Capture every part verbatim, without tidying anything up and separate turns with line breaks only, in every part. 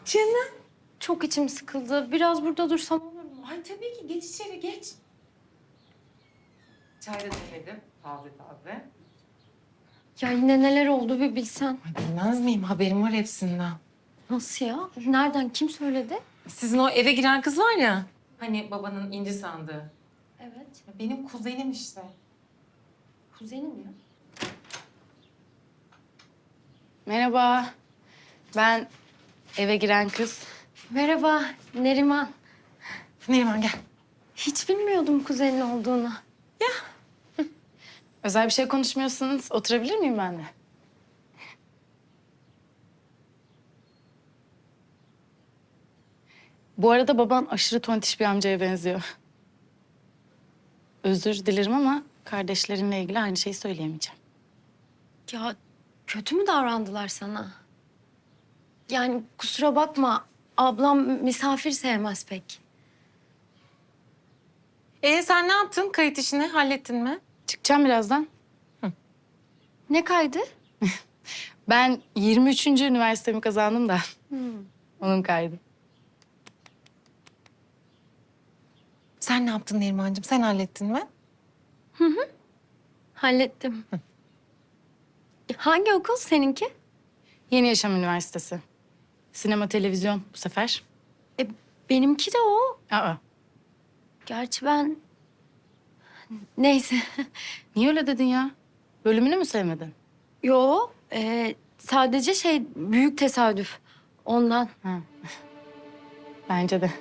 Canım.
Çok içim sıkıldı. Biraz burada dursam olur mu?
Ay tabii ki geç içeri geç. Çay da demledim. Taze taze.
Ya yine neler oldu bir bilsen.
Ay bilmez miyim? Haberim var hepsinden.
Nasıl ya? Nereden? Kim söyledi?
Sizin o eve giren kız var ya. Hani babanın inci sandığı.
Evet.
Benim kuzenim işte.
Kuzenim ya.
Merhaba. Ben eve giren kız.
Merhaba Neriman.
Neriman gel.
Hiç bilmiyordum kuzenin olduğunu.
Özel bir şey konuşmuyorsanız oturabilir miyim ben de? Bu arada baban aşırı tontiş bir amcaya benziyor. Özür dilerim ama kardeşlerinle ilgili aynı şeyi söyleyemeyeceğim.
Ya kötü mü davrandılar sana? Yani kusura bakma. Ablam misafir sevmez pek.
Ee sen ne yaptın? Kayıt işini hallettin mi?
Çıkacağım birazdan.
Ne kaydı?
Ben yirmi üçüncü üniversitemi kazandım da. Onun kaydı.
Sen ne yaptın Nerimancığım? Sen hallettin mi?
Hallettim. Hangi okul seninki?
Yeni Yaşam Üniversitesi. Sinema, televizyon bu sefer.
E, benimki de o.
Aa,
Gerçi ben... Neyse.
niye öyle dedin ya? Bölümünü mü sevmedin?
Yo, e, sadece şey büyük tesadüf. Ondan.
Ha. Bence de.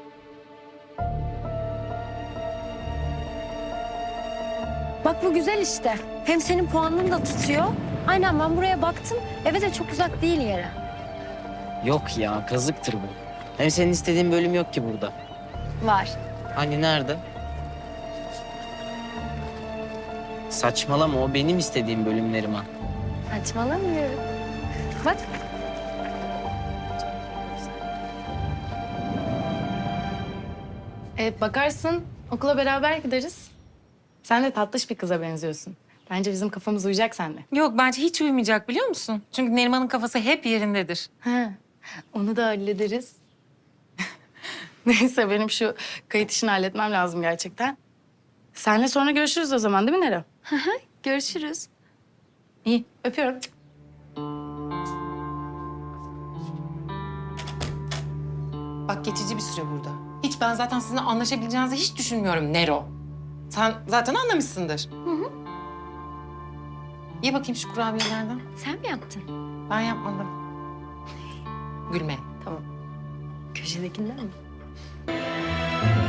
Bak bu güzel işte. Hem senin puanını da tutuyor. Aynen ben buraya baktım. Eve de çok uzak değil yere.
Yok ya, kazıktır bu. Hem senin istediğin bölüm yok ki burada.
Var.
Hani nerede? Saçmalama, o benim istediğim bölüm Neriman.
Saçmalamıyorum. Bak.
Evet, bakarsın okula beraber gideriz. Sen de tatlış bir kıza benziyorsun. Bence bizim kafamız uyacak seninle.
Yok bence hiç uyumayacak biliyor musun? Çünkü Neriman'ın kafası hep yerindedir.
Ha, onu da hallederiz. Neyse benim şu kayıt işini halletmem lazım gerçekten. Seninle sonra görüşürüz o zaman değil mi Nero?
Görüşürüz.
İyi, öpüyorum.
Bak geçici bir süre burada. Hiç ben zaten sizinle anlaşabileceğinizi hiç düşünmüyorum Nero. Sen zaten anlamışsındır. Hı hı. Ye bakayım şu kurabiyelerden.
Sen mi yaptın?
Ben yapmadım. Gülme.
Köşedekinden mi?